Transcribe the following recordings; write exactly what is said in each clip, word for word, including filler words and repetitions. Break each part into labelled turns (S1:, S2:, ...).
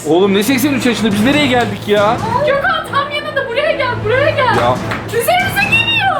S1: Oğlum ne seksen üç yaşında, biz nereye geldik ya?
S2: Gökhan tam yanında, buraya gel, buraya gel.
S1: Ya.
S2: Üzerimize geliyor.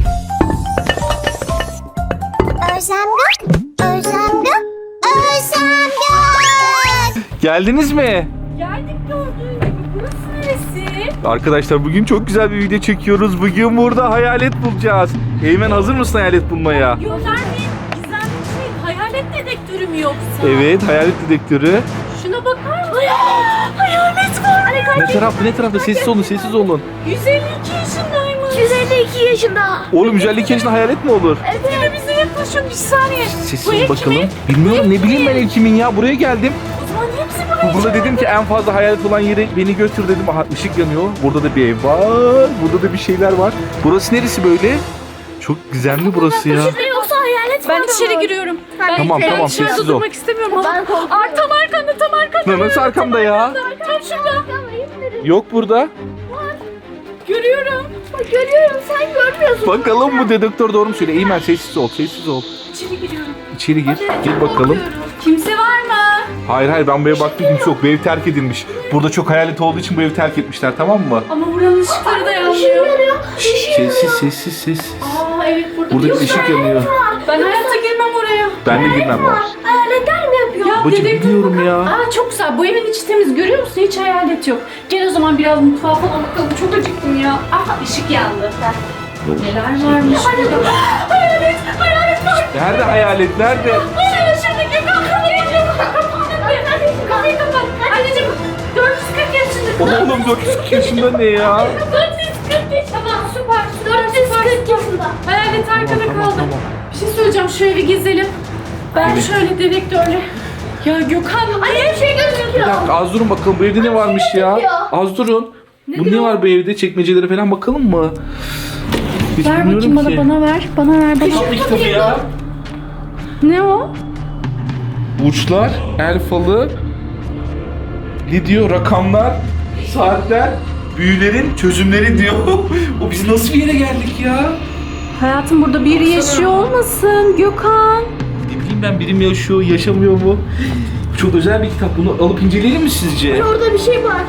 S3: Özlem Gök, Özlem Gök, Özlem Gök.
S1: Geldiniz mi?
S2: Geldik gördüğün gibi. Burası neresi?
S1: Arkadaşlar bugün çok güzel bir video çekiyoruz. Bugün burada hayalet bulacağız. Eymen, hazır mısın hayalet bulmaya?
S2: Yok vermeyin. Gizemli şey. Hayalet dedektörü mü yoksa?
S1: Evet, hayalet dedektörü.
S2: Şuna bakar mısın? Hayalet var.
S1: Ne tarafta ne tarafta? Sessiz olun, sessiz olun.
S2: yüz elli iki yaşındaymış.
S3: yüz elli iki yaşında.
S1: Oğlum yüz elli iki yaşında hayalet mi olur?
S2: Evet. Bize yaklaşıyor, bir saniye.
S1: Sessiz
S2: Bu
S1: ol
S2: ev
S1: bakalım.
S2: kimin?
S1: Bilmiyorum, ne bileyim ben ev kimin ya. Buraya geldim.
S2: O zaman hepsi buraya.
S1: Burada dedim ki en fazla hayalet olan yere beni götür dedim. Aha, ışık yanıyor. Burada da bir ev var. Burada da bir şeyler var. Burası neresi böyle? Çok gizemli burası ya.
S3: Yoksa hayalet
S2: Ben
S3: var
S2: içeri
S3: mı?
S2: giriyorum.
S3: Ben
S1: Tamam,
S2: Ben
S1: tamam,
S2: dışarıda
S1: sessiz ol.
S2: durmak istemiyorum ama.
S3: Ben korkuyorum.
S2: Ar tam arkanda, tam arkanda.
S1: Nasıl arkamda ya?
S2: Tam şurada.
S1: Yok burada.
S2: Görüyorum.
S3: Bak görüyorum, sen görmüyorsun.
S1: Bakalım bu dedektör doğru mu söylüyor? Eymen sessiz ol, sessiz ol.
S2: İçeri giriyorum.
S1: İçeri gir. Gir bakalım.
S2: Korkuyorum. Kimse var mı?
S1: Hayır hayır, ben bu eve baktım, kimse yok. Bu ev terk edilmiş. Burada çok hayalet olduğu için bu evi terk etmişler, tamam mı?
S2: Ama buranın ışıkları da
S3: Işık
S2: yanmıyor.
S3: yanıyor, ışık
S1: Sessiz
S3: yanıyor.
S1: sessiz sessiz.
S2: Aa evet, burada
S1: Burada
S2: bir
S1: bir ışık yanıyor.
S2: Ben hayatta girmem oraya.
S1: Ben de girmem var.
S3: Hayaletler mi yapıyor?
S2: Ya
S1: Babacım,
S2: dedektör
S1: biliyorum
S2: bakar-
S1: ya.
S2: Aa çok güzel. Bu evin içi temiz. Görüyor musun? Hiç hayalet yok. Gel o zaman biraz mutfağa falan bakalım. Çok acıktım ya. Aha ışık yandı. Neler varmış burada? Hayalet! Hayalet var!
S1: Nerede hayalet? Nerede?
S2: Şurada şurada Gökhan kapıyı Kapıyı kapat. Anneciğim dört yüz kırk yaşında.
S1: Oğlum dört yüz yaşında ne ya?
S2: dört yüz kırk yaşında. Tamam süper.
S3: dört yüz kırk yaşında.
S2: Hayalet arkada
S1: Tamam, tamam,
S2: kaldı.
S1: tamam.
S2: Bir şey söyleyeceğim. Şu evi gezelim. Ben
S1: Evet.
S2: şöyle dedektörle. Ya Gökhan.
S3: Ay her şey
S1: Bir
S3: gözüküyor.
S1: dakika, az durun bakalım, bu evde ne varmış ya? Az durun. Bu ne
S2: diyor?
S1: var bu evde? Çekmecelere falan bakalım mı? Hiç
S2: Ver
S1: bilmiyorum
S2: bakayım bana,
S1: ki.
S2: bana ver. Bana ver, bana.
S1: Kitap kitabı ya.
S2: Ne o?
S1: Burçlar, el falı, ne diyor? Rakamlar, saatler, büyülerin çözümleri diyor. O biz nasıl bir yere geldik ya?
S2: Hayatım burada biri yaşıyor olmasın Gökhan.
S1: Ne bileyim ben, biri mi yaşıyor, yaşamıyor mu? Bu çok özel bir kitap. Bunu alıp inceleyelim mi sizce?
S3: Orada bir şey var.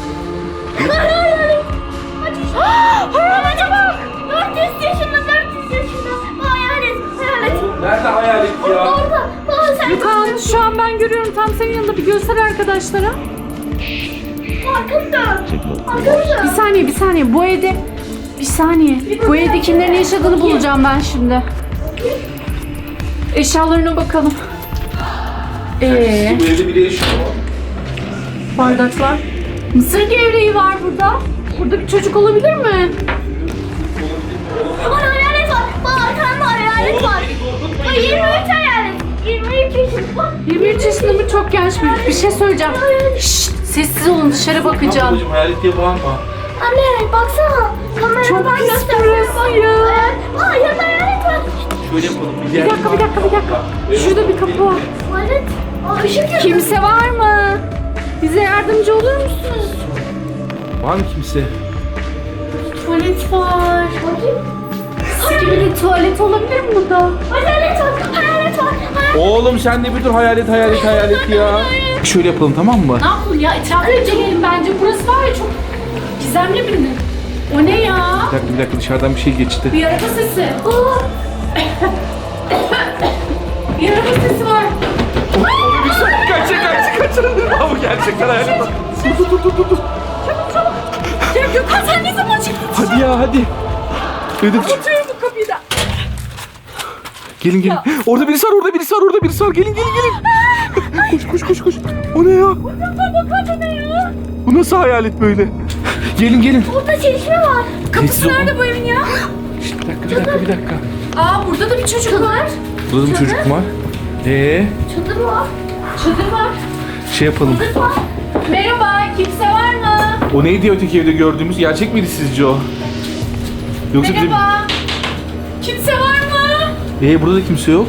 S3: Hayalete bak. dört yüz yaşında, dört yüz yaşında. Bu hayalet, hayalet.
S1: Nerede hayalet ya?
S3: Orada. Baba sen
S2: Gökhan şu an ben görüyorum, tam senin yanında, bir göster arkadaşlara.
S3: arkamda. Arkamda.
S2: Bir saniye bir saniye bu evde bir saniye bu evde kimlerin yaşadığını bulacağım ben şimdi. Eşyalarına bakalım. Ee,
S1: Bu evde biri yaşıyor.
S2: bardaklar. Mısır gevreği var burada. Burada bir çocuk olabilir mi?
S3: Baba hayalet var. Baba arkanda hayalet var. Baba yirmi üç hayalet. yirmi üç yaşında.
S2: yirmi üç yaşında mı? Çok genç bir, bir şey söyleyeceğim. Şşt, sessiz olun, dışarı bakacağım.
S1: Babacım, hayalet diye bağırma.
S3: Anne baksana. Kameradan
S2: Çok pis
S3: gösteriyor.
S2: burası ya.
S3: Aa yanında hayalet var.
S1: Şöyle yapalım.
S2: Bir dakika bir dakika bir dakika. Şurada bir kapı var.
S3: Hayalet. Aa ışık yanıyor.
S2: Kimse var mı? Bize yardımcı olur musunuz?
S1: Var mı kimse?
S2: Tuvalet var.
S3: Bakayım.
S2: Gibi bir tuvalet olabilir mi burada?
S3: Hayalet var. Hayalet var. Hayalet.
S1: Oğlum sen de bir dur, hayalet hayalet hayalet ya. Şöyle yapalım, tamam mı?
S2: Ne yapalım ya? Etrafı inceleyelim bence. Burası var ya, çok gizemli bir. O ne ya?
S1: Bir dakika bir dakika, dışarıdan bir şey geçti.
S2: Bir araba sesi. Aa! Bir araba sesi var.
S1: Kaçın kaçın kaçın. Aa, bu gerçekten hayalet. Dur dur dur dur dur.
S2: Ya Gökhan sen ne zaman çıktın?
S1: Hadi ya hadi. Dedim.
S2: Kapatıyorum bu kapıyı da.
S1: Gelin gelin. Orada birisi var, orada birisi var, orada birisi var. Gelin gelin gelin. Koş koş koş koş. O ne ya?
S2: Bakın ne ya?
S1: Bu nasıl hayalet böyle? Gelin gelin.
S3: Burada çeşme var.
S1: Sessiz
S2: Kapısı
S1: olun.
S2: nerede bu evin ya?
S1: Şşt, bir dakika bir dakika bir dakika.
S2: Aa burada da bir çocuk var.
S1: Burada da bir çocuk var. Ee,
S3: Çadır var.
S2: Çadır var.
S1: şey yapalım.
S2: Merhaba, kimse var mı?
S1: O neydi öteki evde gördüğümüz? Gerçek miydi sizce o? Yoksa bizim...
S2: Merhaba. Kimse var mı?
S1: Ee, burada da kimse yok.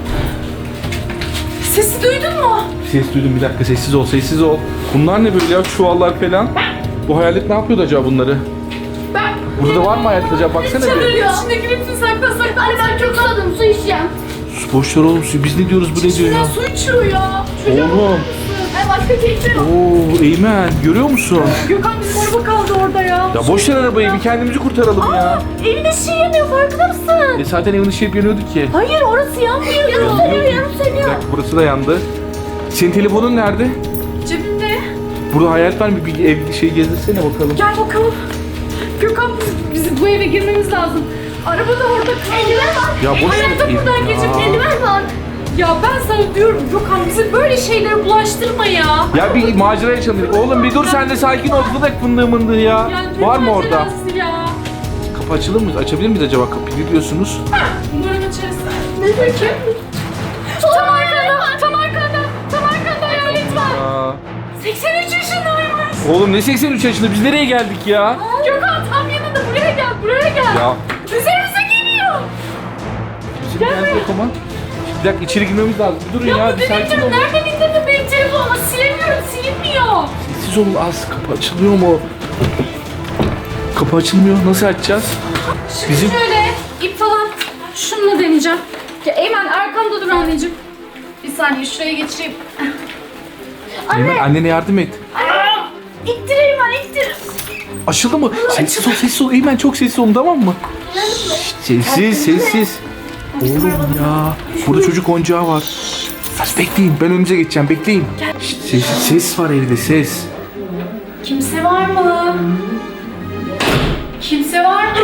S2: Sesi duydun mu?
S1: Ses duydum, bir dakika, sessiz ol sessiz ol. Bunlar ne böyle ya, çuvallar falan? Bu hayalet ne yapıyordu acaba bunları?
S2: Ben
S1: Burada da var mı hayalet acaba, baksana
S2: çadırın
S1: bir.
S2: içindeki bütün saklasak.
S3: Anne ben çok susadım, su içeceğim.
S1: Su boş ver oğlum, su. Biz ne diyoruz, bu ne diyor
S2: İçinden
S1: ya?
S2: su içiyor ya. Çocuğa bakar
S1: Oğlum.
S2: mısın?
S3: Ay başka keçi yok.
S1: Oo Eymen görüyor musun?
S2: Gökhan bizim araba kaldı orada ya.
S1: Ya boş ver arabayı, bir kendimizi kurtaralım ya.
S2: Evin ışığı yanıyor, farkında mısın?
S1: E zaten evin ışığı hep yanıyordu ki.
S2: Hayır, orası yanmıyor.
S3: Yanım sönüyor, yanım
S1: Bir
S3: sönüyor.
S1: dakika, burası da yandı. Senin telefonun nerede?
S2: Cebimde.
S1: Burada hayalet var mı? Bir ev şey gezdirsene bakalım.
S2: Gel bakalım. Gökhan biz, bizim bu eve girmemiz lazım. Araba da orada kaldı.
S3: Eldiven var.
S1: Ya boş ver.
S2: Hayatta buradan
S1: Ya.
S2: geçip
S3: Eldiven var.
S2: Ya ben sana diyorum Gökhan bize böyle şeylere bulaştırma ya.
S1: Ya bir macera yaşanır. Oğlum bir dur sen de sakin ol. Bırak fındığı mındığı ya.
S2: Ya ne
S1: Var mı orada?
S2: macerası Ya.
S1: Kapı açılır mı? Açabilir miyiz acaba kapıyı? Ne diyorsunuz?
S2: Umarım açarız. Ne peki? Tam arkanda, tam arkanda, tam arkanda hayalet var.
S1: Aa.
S2: seksen üç yaşındaymış.
S1: Oğlum ne seksen üç yaşında? Biz nereye geldik ya?
S2: Gökhan tam yanında, buraya gel, buraya gel.
S1: Ya.
S2: Üzerimize geliyor.
S1: Bizim geldik yok ama. Bir dakika içeri girmemiz lazım. Bir durun ya.
S2: Ya
S1: Bir
S2: bu
S1: sakin
S2: dedektif
S1: olun.
S2: nereden indirdin benim telefonumu? Silemiyorum, silinmiyor.
S1: Sessiz olun az. Kapı açılıyor mu? Kapı açılmıyor. Nasıl açacağız?
S2: Şimdi
S1: Bizim-
S2: şöyle ip falan şununla deneyeceğim. Ya Eymen arkamda dur anneciğim. Bir saniye şuraya geçeyim.
S1: Eymen, annene yardım et.
S3: İttireyim ben ittir.
S1: Açıldı mı? Sessiz ol, sessiz ol. Eymen çok sessiz olun, tamam mı? Şşt, sessiz, sessiz. Oğlum ya. Burada çocuk oyuncağı var. Siz bekleyin. Ben önünüze geçeceğim. Bekleyin. Şşt, ses, ses var evde, ses.
S2: Kimse var mı? Kimse var mı?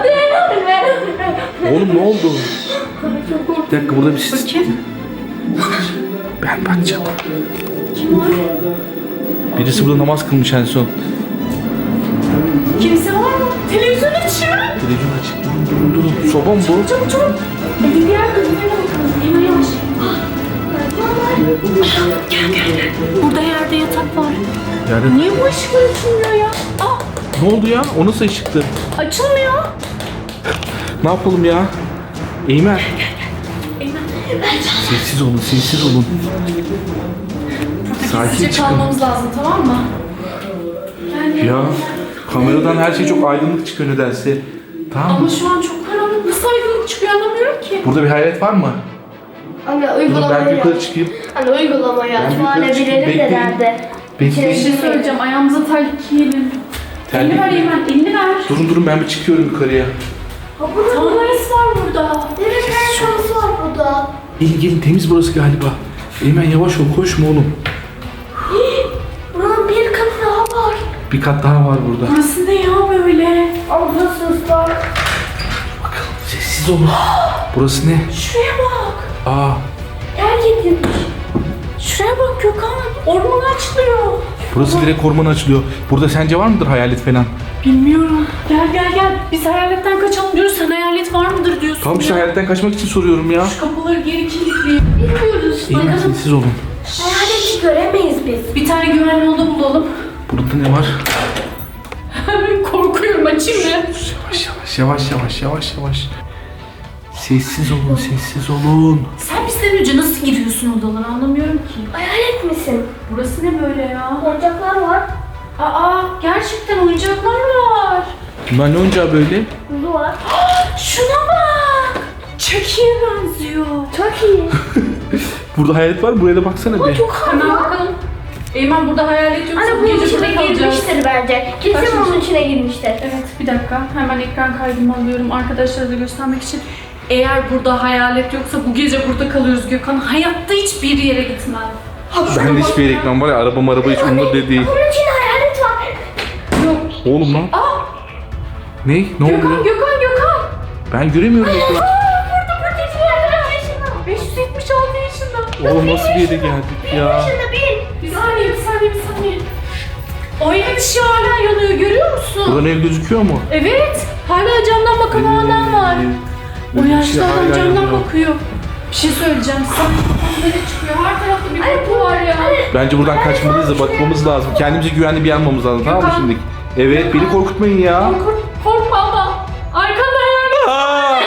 S1: Oğlum ne oldu? Bir dakika burada bir ses.
S2: Bakayım.
S1: Ben bakacağım.
S2: Kim var?
S1: Birisi burada namaz kılmış en son.
S2: Kimse var mı? Televizyon açıyor.
S1: Televizyon açık. Durun durun durun. Soba mı bu?
S2: Çabuk çabuk. Evin diğer bölümlerine bakalım. Hemen yavaş. Gel gel gel. Burada yerde yatak var.
S1: Yani
S2: Niye bu ışıklar açılmıyor ya? Aa,
S1: ne oldu ya? O nasıl ışıktı?
S2: açılmıyor.
S1: Ne yapalım ya? Eymen.
S2: Eymen.
S1: Sessiz olun, sessiz olun.
S2: Burada
S1: Sakin
S2: gizlice
S1: çıkın.
S2: kalmamız lazım, tamam mı? Gel, gel.
S1: Ya kameradan her şey çok aydınlık çıkıyor nedense. Tamam
S2: Ama
S1: mı?
S2: şu an çok karanlık. Nasıl aydınlık çıkıyor anlamıyorum ki.
S1: Burada bir hayalet var mı?
S3: Anne
S1: Dur ben
S3: uygulamayı
S1: yukarı
S3: yap.
S1: çıkayım.
S3: Anne uygulamayı
S1: Ben
S3: aç.
S1: yukarı
S3: Mahalle
S1: çıkayım.
S3: bilelim de
S1: Bekleyin.
S3: nerede?
S2: Bir
S1: Bekleyin.
S2: şey söyleyeceğim. Ayağımıza terlik giyelim.
S1: Terlik
S2: Elini ver
S1: mi?
S2: Eymen, elini ver.
S1: Durun durun ben bir çıkıyorum yukarıya.
S2: Tanrısı var burada.
S3: Evet ayakkabısı var burada.
S1: Gelin gelin temiz burası galiba. Eymen yavaş ol koşma oğlum.
S3: Buranın bir katı daha var.
S1: Bir kat daha var burada.
S2: Burası ne ya böyle?
S3: Ama burası ıslak.
S1: Bakalım sessiz olun. Burası ne?
S2: Şuraya bak.
S1: Aa
S3: Terk edilmiş.
S2: Şuraya bak Gökhan. Orman açılıyor.
S1: burası direkt ormana açılıyor. Burada sence var mıdır hayalet falan?
S2: Bilmiyorum. Gel gel gel. Biz hayaletten kaçalım diyoruz. Sen hayalet var mıdır diyorsun.
S1: Tamam işte
S2: ya.
S1: hayaletten kaçmak için soruyorum ya.
S2: Şu kapıları geri kilitleyelim. Bilmiyoruz.
S1: Eymen
S2: Bakalım.
S1: sessiz olun.
S3: Hayaleti göremeyiz biz.
S2: Bir tane güvenli oda bulalım.
S1: Burada ne var?
S2: Korkuyorum, açayım mı?
S1: Yavaş yavaş yavaş yavaş yavaş yavaş. Sessiz olun sessiz olun.
S2: Sen bizden önce nasıl giriyorsun odalara anlamıyorum ki.
S3: Hayalet misin?
S2: Burası ne böyle ya?
S3: Oyuncaklar var.
S2: Aa, gerçekten oyuncaklar var.
S1: Bunlar ne oyuncağı böyle?
S3: Kuzu var.
S2: Şuna bak. Chucky'ye benziyor.
S3: Çok iyi.
S1: Burada hayalet var mı? Buraya da baksana bir.
S3: Çok
S2: Hemen
S3: havalı.
S2: bakalım. Eymen burada hayalet yoksa
S3: Anne
S2: bu
S3: bunun
S2: gece
S3: içine
S2: burada kalacağız.
S3: girmiştir bence. Kesin
S2: Kaçmış.
S3: bunun içine girmiştir.
S2: Evet, bir dakika. Hemen ekran kaydımı alıyorum arkadaşlara da göstermek için. Eğer burada hayalet yoksa bu gece burada kalıyoruz Gökhan. Hayatta hiçbir yere gitmem.
S1: Ben de hiçbir yere gitmem var ya araba araba hiç umurumda değil.
S3: Bunun içinde hayalet var.
S2: Yok.
S1: Oğlum lan.
S2: Aa,
S1: Ne? Ne
S2: Gökhan,
S1: oluyor?
S2: Gökhan, Gökhan.
S1: Ben göremiyorum ekranı.
S3: Burada burada yerler yaşında.
S2: beş yüz yetmiş altı yaşında.
S1: Oğlum nasıl bir yere geldik ya?
S3: Yaşında bir.
S2: Bir saniye, bir saniye, bir saniye. O evin ışığı hala yanıyor, görüyor musun?
S1: Buradan ev gözüküyor mu?
S2: Evet, hala camdan bakan o adam var. O
S1: Evin
S2: yaşlı
S1: ışığı
S2: adam
S1: hala
S2: camdan
S1: yanıyor.
S2: bakıyor. Bir şey söyleyeceğim sana. Böyle çıkıyor, her tarafta bir koku var ya.
S1: Bence buradan kaçmalıyız da bakmamız lazım. Kendimize güvenli bir yer almamız lazım tamam mı
S2: Gökhan.
S1: şimdi? Evet beni korkutmayın ya.
S2: Kork, korkma ama. Arkanda hayalet.
S1: Aa!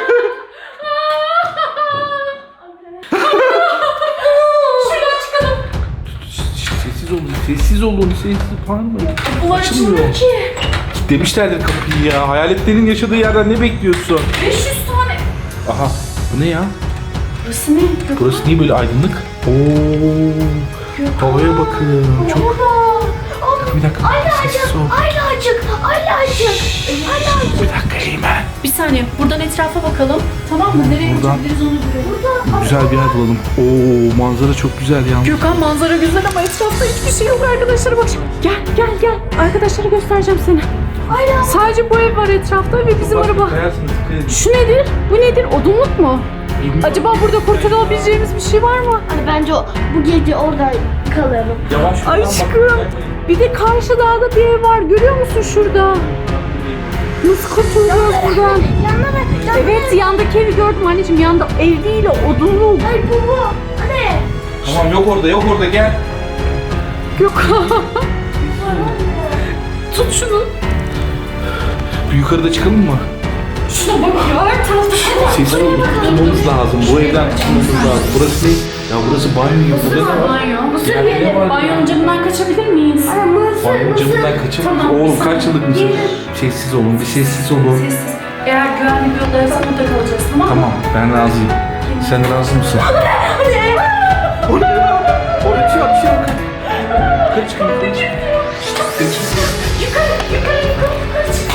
S2: Şuradan çıkalım.
S1: Sessiz olun, sessiz olun, sessiz bağırmayın.
S2: Bu
S1: Açılmıyor.
S2: açılmıyor ki.
S1: Demişlerdir kapıyı ya. Hayaletlerin yaşadığı yerden ne bekliyorsun?
S2: beş yüz tane.
S1: Aha bu ne ya?
S2: Burası ne? Gökhan?
S1: Burası niye böyle aydınlık? Oo. Havaya bakın. Çok. Bir dakika.
S3: Aylacık,
S1: Sessiz ol.
S3: Aylacık, Aylacık, Aylacık.
S1: Bir dakika Eymen.
S2: Bir saniye buradan etrafa bakalım. Tamam mı? Nereye
S1: Buradan.
S2: gidebiliriz onu görelim. Burada.
S1: Güzel bir yer bulalım. Oo, manzara çok güzel yalnız.
S2: Gökhan manzara güzel ama etrafta hiçbir şey yok arkadaşlar. Bak gel gel gel. Arkadaşlara göstereceğim seni.
S3: Ayla.
S2: Sadece bu ev var etrafta ve bizim
S1: Bak,
S2: araba.
S1: kayarsın, dikkat edin.
S2: Şu nedir? Bu nedir? Odunluk mu? Acaba burada kurtulabileceğimiz bir şey var mı?
S3: Hani bence o, bu gece orada kalalım.
S1: Yavaş şuradan bak.
S2: Aşkım. Bir de karşı dağda bir ev var. Görüyor musun şurada? Nasıl kurtulacağız buradan?
S3: Yanına bak. Yanına.
S2: Evet yandaki evi gördüm anneciğim. Yanda ev değil o odunluk.
S3: Ay bu bu. Anne.
S1: Tamam yok orada yok orada gel.
S2: Gökhan. Tut şunu.
S1: Bir yukarıda çıkalım mı?
S2: Şuna bak ya. Her tarafta şey var.
S1: Sessiz olun. Tutmamız lazım. Bu evden tutmamız lazım. Burası ne? Ya burası banyo gibi. Burada ne var?
S2: Banyo. Mısır
S1: Yani ne
S2: yiyelim.
S1: var?
S2: Banyonun camından kaçabilir miyiz?
S3: Ay mısır
S1: Banyo
S3: mısır.
S1: camından kaçın.
S2: Tamam,
S1: Oğlum
S2: bir
S1: kaç yıllık mısın? Sessiz olun. Bir sessiz olun.
S2: Sessiz. Eğer güvenli bir odaysa orada kalacağız tamam mı?
S1: Tamam ben razıyım. Sen razı mısın? Orada ya. Orada bir şey yok. Bir şey yok. Yukarı çıkın. Yukarı çıkın.
S2: Yukarı yukarı yukarı yukarı çık.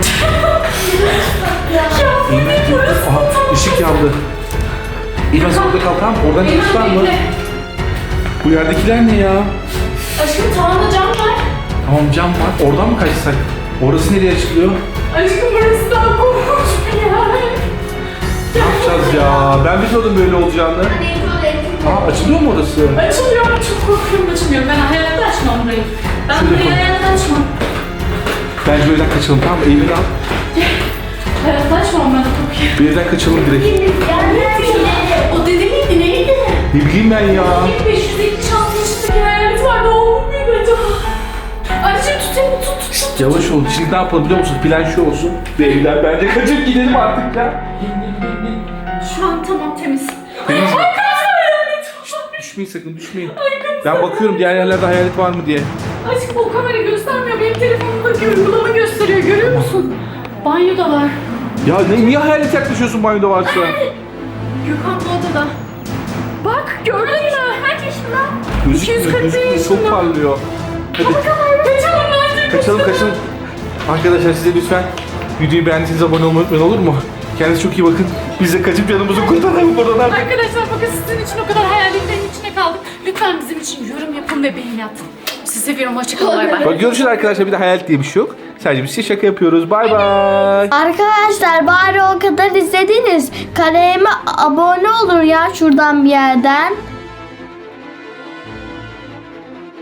S1: Aha ışık yandı. İlmaz orada kal tamam. Oradan çıkış var mı?
S2: Bekle.
S1: Bu yerdekiler ne ya?
S2: Aşkım tavanda cam var.
S1: Tamam cam var. Oradan mı kaçsak? Orası nereye açılıyor?
S2: Aşkım burası daha korkunç bir yer.
S1: Ne yapacağız ya? Ben bilmiyordum böyle olacağını. Aa açılıyor mu orası?
S2: Açılıyor ama çok korkuyorum açılmıyor. Ben hayatta açmam burayı. Ben
S1: Şöyle
S2: burayı
S1: yapalım.
S2: hayatta açmam.
S1: Bence bir evden kaçalım tamam mı? Eğimini al.
S2: Hayatta açmam ben korkuyorum.
S1: Bir evden kaçalım direkt.
S2: O dede miydi neydi?
S1: Ne bileyim ben ya.
S2: beş yüz yetmiş altı yaşındaki hayalet vardı o muydu acaba? Anneciğim tut elini tut tut.
S1: Şşt, yavaş ol. Şimdi ne yapalım biliyor musun? Plan şu olsun. Bir evden bence kaçıp gidelim artık ya.
S2: Şu an tamam temiz.
S1: Temiz mi?
S2: Ay kaç hayalet var.
S1: Şşt, düşmeyin sakın düşmeyin. Ben bakıyorum diğer yerlerde hayalet var mı diye.
S2: Aşkım o kamera göstermiyor. Benim telefonumdaki uygulama gösteriyor. Görüyor musun? Banyoda var.
S1: Ya ne, niye hayalet yaklaşıyorsun banyoda varsa?
S2: Gökhan bu odada. Bak gördün mü? Kaç yaşında?
S1: Gözükmüyor,
S2: iki yüz kırk
S1: gözükmüyor.
S2: yaşında.
S1: Çok parlıyor. Hadi
S2: Kaçalım bence.
S1: kaçalım kaçalım. Arkadaşlar size lütfen videoyu beğendiyseniz abone olmayı unutmayın olur mu? Kendinize çok iyi bakın. Biz de kaçıp canımızı kurtaralım buradan artık.
S2: Arkadaşlar bakın sizin için o kadar hayaletlerin içine kaldık. Lütfen bizim için yorum yapın ve beğeni atın. Sizi seviyorum. Hoşçakalın. Bay bay.
S1: Bak görüşürüz arkadaşlar. Bir de hayalet diye bir şey yok. Sadece biz size şaka yapıyoruz. Bay bay.
S3: Arkadaşlar bari o kadar izlediniz. Kanalıma abone olur ya şuradan bir yerden.